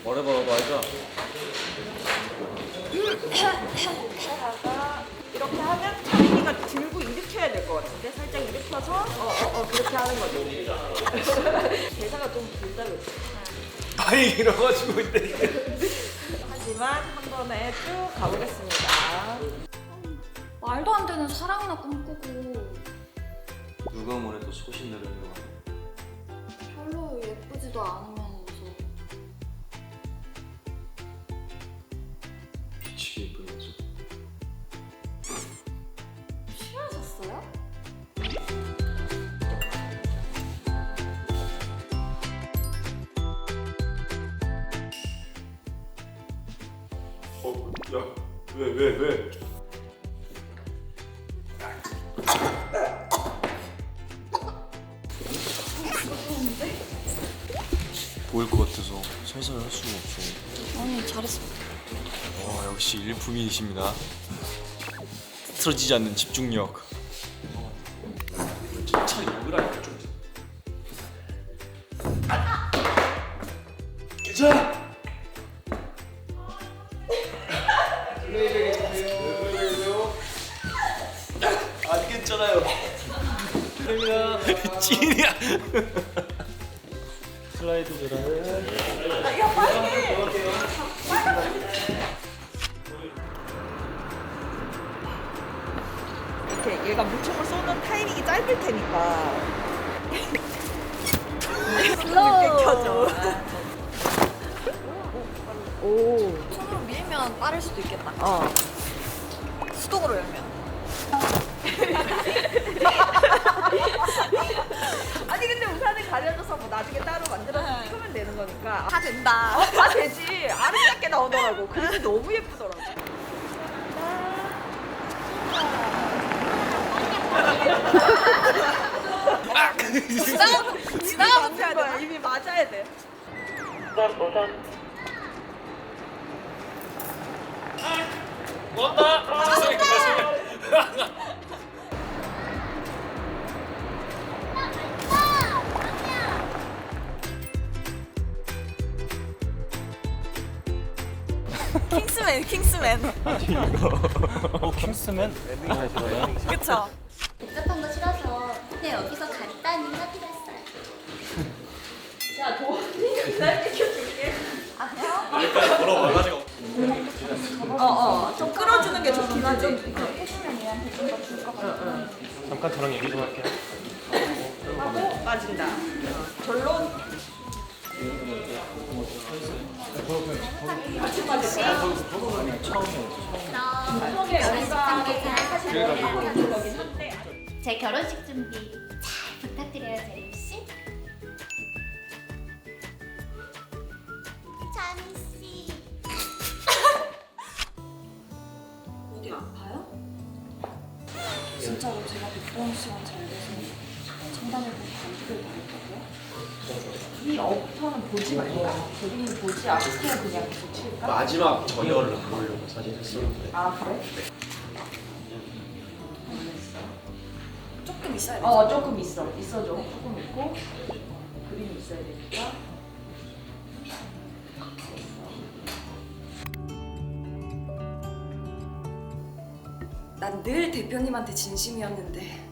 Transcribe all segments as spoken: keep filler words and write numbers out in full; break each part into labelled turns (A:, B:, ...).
A: 말해봐, 말자.
B: 이렇게 하면 차림이가 들고 일으켜야 될 것 같은데 살짝 일으켜서 어어어 어, 그렇게 하는 거지. 대사가 좀 길다 그랬어.
A: 아니, 이러가지고 있는데.
B: 하지만 한 번에 쭉 가보겠습니다.
C: 말도 안 되는 사랑이나 꿈꾸고
A: 누가 뭐래도 소신 내려는 거 같아.
C: 별로 예쁘지도 않으면서
A: 미치게 예쁘면서.
C: 싫어졌어요?
A: 어, 야, 왜, 왜, 왜? 보일 것 같아서 살살 할 수가 없어.
C: 아니 잘했어.
A: 어, 역시 일품이십니다. 틀어지지 않는 집중력. 차라리 먹으라니까 좀. 괜찮아. 안 괜찮아요. 찐이야. 슬라이드 들어가요.
B: 야 빨리. 이렇게 얘가 물총을 쏘는 타이밍이 짧을 테니까. 늦게 켜져. 오.
C: 손으로 밀면 빠를 수도 있겠다.
B: 어.
C: 수동으로 열면.
B: 아니 근데 우산을 가려줘서 뭐 나중에 따로 만들어서 찍으면 되는 거니까.
C: 다 된다.
B: 어, 다 되지. 아름답게 나오더라고. 그림이 너무 예쁘더라고.
C: 지나가 지나가
B: 맞아야 돼. 이미 맞아야 돼.
C: 킹스맨 킹스맨.
A: 어, 킹스맨?
C: 그쵸?
D: 복잡한 거 싫어서 그냥 여기서 간단히 합의했어요.
B: 자, 도원이 날 비켜줄게.
A: 여기까지 걸어와가지고.
B: 어, 어. 좀 끌어주는 게 좋긴 하지.
C: 해주면 얘한테 좀 더 줄 것 같아.
A: 잠깐 저랑 얘기 좀 할게요.
B: 하고 빠진다. 어, 결론.
D: 처음에 결혼식 관계자 사실 제 결혼식 준비 잘 부탁드려요, 재림 씨. 자미 씨.
C: 어디 아파요? 진짜로 제가 백보영 씨랑 잘 돼서 장담을 보고 감기를 당했다고요?
B: 이 업터는 보지 말까? 본인이 보지 않고 그냥 계속 칠까?
A: 마지막 전열을 안 보려고 사실 했었는데.
B: 아, 그래?
C: 조금 있어야 돼.
B: 어, 조금 있어. 있어줘. 조금 있고. 그림이 있어야 되니까.
C: 난 늘 대표님한테 진심이었는데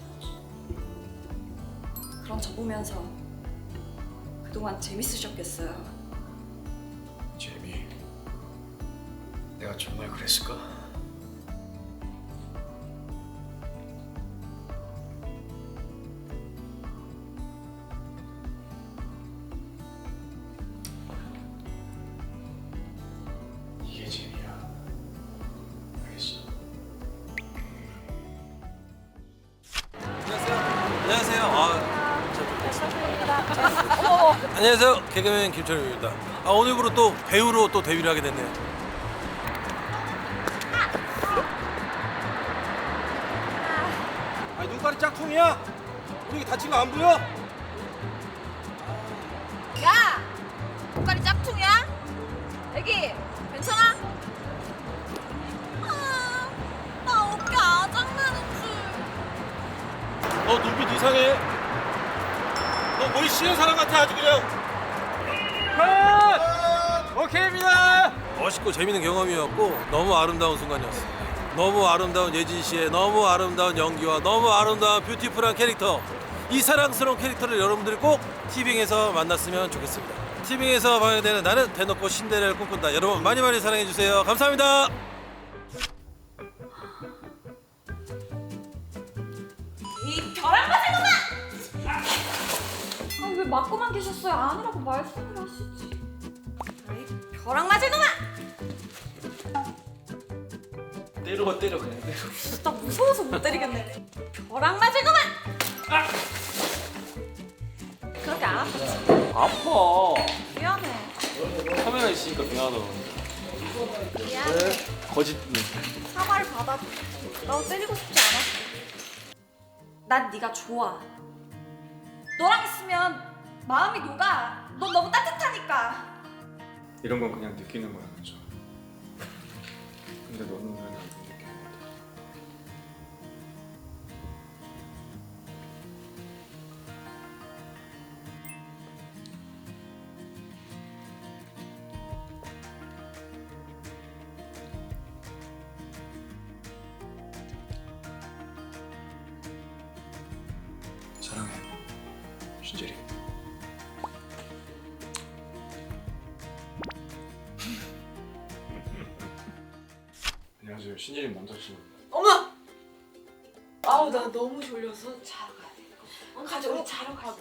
C: 그럼 저 보면서 그동안 재밌으셨겠어요.
A: 재미. 내가 정말 그랬을까? 이게 재미야. 알겠어.
E: 안녕하세요. 아, 저 안녕하세요. 개그맨 김철우입니다. 아, 오늘부로 또 배우로 또 데뷔를 하게 됐네요. 아니, 눈깔이 짝퉁이야? 우리 다친 거 안 보여?
C: 야! 눈깔이 짝퉁이야? 애기 괜찮아? 아, 나 어깨 아작나는 줄.
E: 너 눈빛 이상해. 너 머리 씌는 사람 같아 아주 그냥. 컷! 오케이입니다. 멋있고 재밌는 경험이었고 너무 아름다운 순간이었어요. 너무 아름다운 예진 씨의 너무 아름다운 연기와 너무 아름다운 뷰티풀한 캐릭터, 이 사랑스러운 캐릭터를 여러분들이 꼭 티빙에서 만났으면 좋겠습니다. 티빙에서 방영되는 나는 대놓고 신데렐라를 꿈꾼다. 여러분 많이 많이 사랑해 주세요. 감사합니다.
B: 이 벼랑 같은 놈아!
C: 아, 왜 맞고만 계셨어요? 아니라고 말씀을 하시지.
B: 이 벼랑 맞은 놈아!
A: 때려 때려 그냥 때려.
C: 나 무서워서 못 때리겠네.
B: 벼랑 맞은 놈아! 그렇게 안 아프지?
A: 아파.
B: 미안해.
A: 카메라 있으니까 미안하다.
B: 미안해.
A: 거짓.
C: 사과를 받아도 나 때리고 싶지 않았어. 난 네가 좋아. 너랑 있으면 마음이 녹아. 너 너무 따뜻하니까.
A: 이런 건 그냥 느끼는 거야, 그렇죠? 근데 너는 왜 안 느끼는 거야? 사랑해, 신재리. 안녕하세요, 신재리 남자친구입니다.
B: 어머! 아우 나 너무 졸려서 자러 가야 돼. 가자 우리 자러 가자.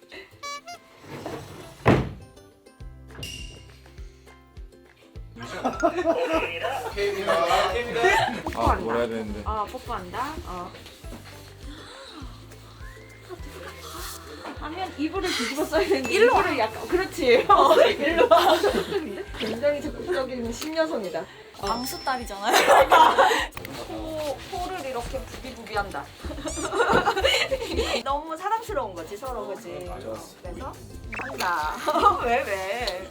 A: 아, 뭘 해야 되는데.
B: 아 뽀뽀한다. 어. 아니면 이불을 뒤집어 써야 되는데 일로 와. 약간 그렇지. 어, 일로 와. 굉장히 적극적인 신여성이다.
C: 방수 딸이잖아요.
B: 코, 코를 이렇게 부비부비한다. 너무 사랑스러운 거지 서로 그지.
A: 좋았어.
B: 그래서 한다. 왜 왜?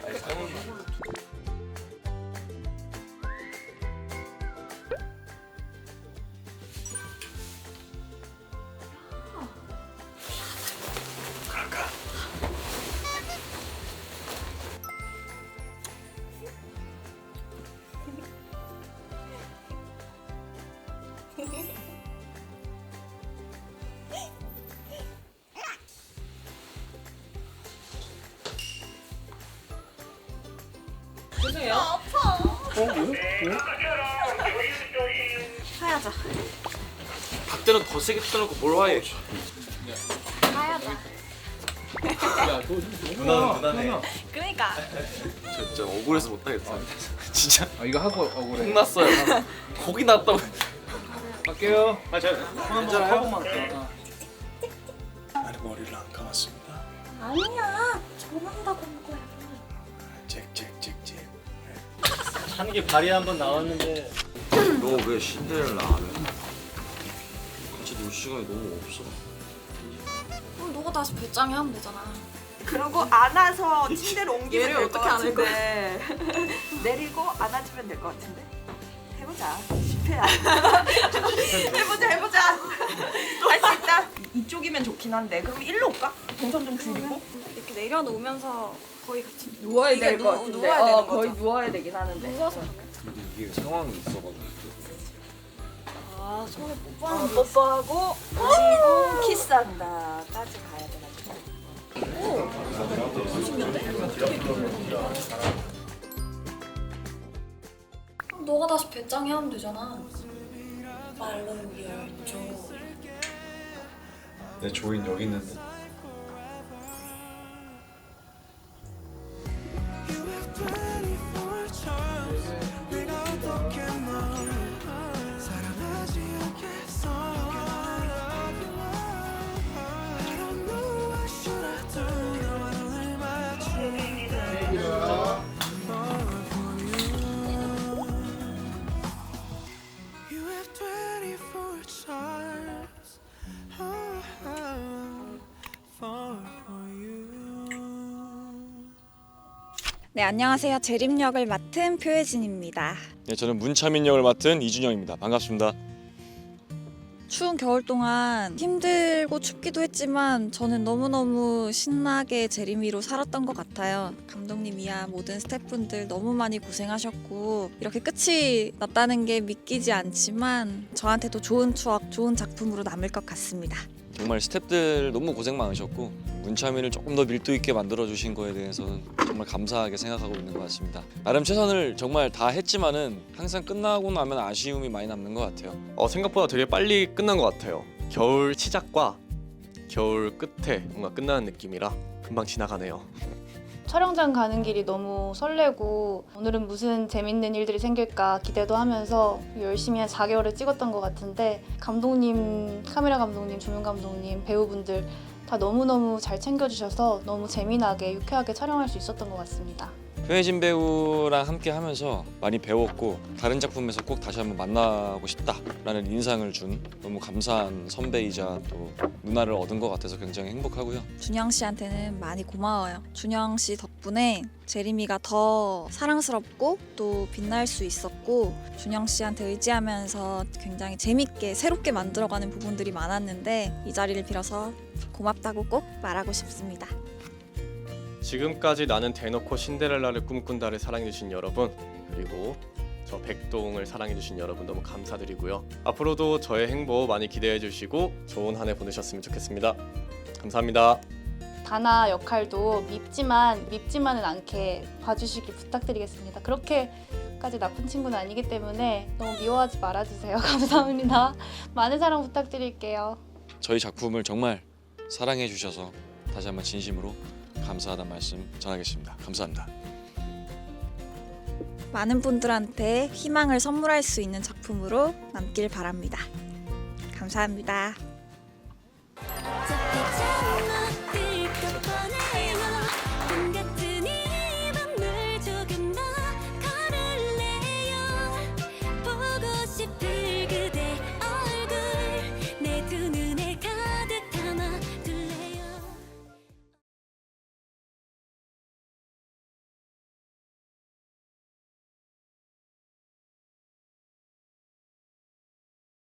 B: 죄송해요.
C: 아파.
B: 하야자.
A: 박대는 더 세게 뜯어놓고 뭘 화해?
C: 가야자.
A: 누나는 누나네.
C: 그러니까.
A: 진짜 억울해서 못하겠어. 진짜
F: 아 이거 하고 억울해.
A: 혼났어요. 거기 났다고.
F: 갈게요. 아 저
A: 괜찮아요?
F: 번만 더.
A: 나는 머리를 안 감았습니다.
C: 아니야. 전한다고 한 거야.
A: 잭잭잭잭.
F: 하는 게 발이 한번 나왔는데.
A: 너 왜 신데렐라 안 해? 같이 놀 시간이 너무 없어.
C: 그럼 너가 다시 배짱이 하면 되잖아.
B: 그러고 안아서 침대로 옮기면
C: 얘를
B: 될 것
C: 어떻게 안을
B: 같은데. 내리고 안아주면 될 것 같은데. 해보자. 실패야. 해보자 해보자. 할 수 있다. 이쪽이면 좋긴 한데 그럼 일로 올까? 동선 좀 줄이고.
C: 이렇게 내려놓으면서 거의 같이
B: 누워야
C: 이게
B: 될 것
C: 누-
B: 같은데.
C: 누워야 되는
B: 어, 거의
C: 거죠.
B: 누워야 되긴 하는데.
C: 누워서 하면.
A: 근데 이게 상황이 있어가지고.
C: 아 손에
B: 어,
C: 뽀뽀하는 게
B: 뽀뽀하고 그리고 키스한다까지 가야 돼가지고.
C: 그럼 너가 다시 배짱이 하면 되잖아. 말로 열줘.
A: 내 조인 여기 있는데.
G: 네, 안녕하세요. 재림 역을 맡은 표혜진입니다.
H: 네, 저는 문차민 역을 맡은 이준영입니다. 반갑습니다.
G: 추운 겨울 동안 힘들고 춥기도 했지만 저는 너무너무 신나게 제리미로 살았던 것 같아요. 감독님이야 모든 스태프분들 너무 많이 고생하셨고 이렇게 끝이 났다는 게 믿기지 않지만 저한테도 좋은 추억, 좋은 작품으로 남을 것 같습니다.
H: 정말 스태프들 너무 고생 많으셨고 문차미를 조금 더 밀도 있게 만들어 주신 거에 대해서는 정말 감사하게 생각하고 있는 것 같습니다. 나름 최선을 정말 다 했지만은 항상 끝나고 나면 아쉬움이 많이 남는 것 같아요.
I: 어, 생각보다 되게 빨리 끝난 것 같아요. 겨울 시작과 겨울 끝에 뭔가 끝나는 느낌이라 금방 지나가네요.
C: 촬영장 가는 길이 너무 설레고 오늘은 무슨 재밌는 일들이 생길까 기대도 하면서 열심히 한 사 개월을 찍었던 것 같은데 감독님, 카메라 감독님, 조명 감독님, 배우분들 다 너무너무 잘 챙겨주셔서 너무 재미나게 유쾌하게 촬영할 수 있었던 것 같습니다.
H: 표혜진 배우랑 함께 하면서 많이 배웠고 다른 작품에서 꼭 다시 한번 만나고 싶다라는 인상을 준 너무 감사한 선배이자 또 누나를 얻은 것 같아서 굉장히 행복하고요.
G: 준영 씨한테는 많이 고마워요. 준영 씨 덕분에 제리미가 더 사랑스럽고 또 빛날 수 있었고 준영 씨한테 의지하면서 굉장히 재밌게 새롭게 만들어가는 부분들이 많았는데 이 자리를 빌어서 고맙다고 꼭 말하고 싶습니다.
I: 지금까지 나는 대놓고 신데렐라를 꿈꾼다를 사랑해주신 여러분, 그리고 저 백동을 사랑해주신 여러분 너무 감사드리고요. 앞으로도 저의 행보 많이 기대해주시고 좋은 한 해 보내셨으면 좋겠습니다. 감사합니다.
C: 다나 역할도 밉지만 밉지만은 않게 봐주시길 부탁드리겠습니다. 그렇게까지 나쁜 친구는 아니기 때문에 너무 미워하지 말아주세요. 감사합니다. 많은 사랑 부탁드릴게요.
H: 저희 작품을 정말 사랑해 주셔서 다시 한번 진심으로 감사하다는 말씀 전하겠습니다. 감사합니다.
G: 많은 분들한테 희망을 선물할 수 있는 작품으로 남길 바랍니다. 감사합니다.
D: 저 빛의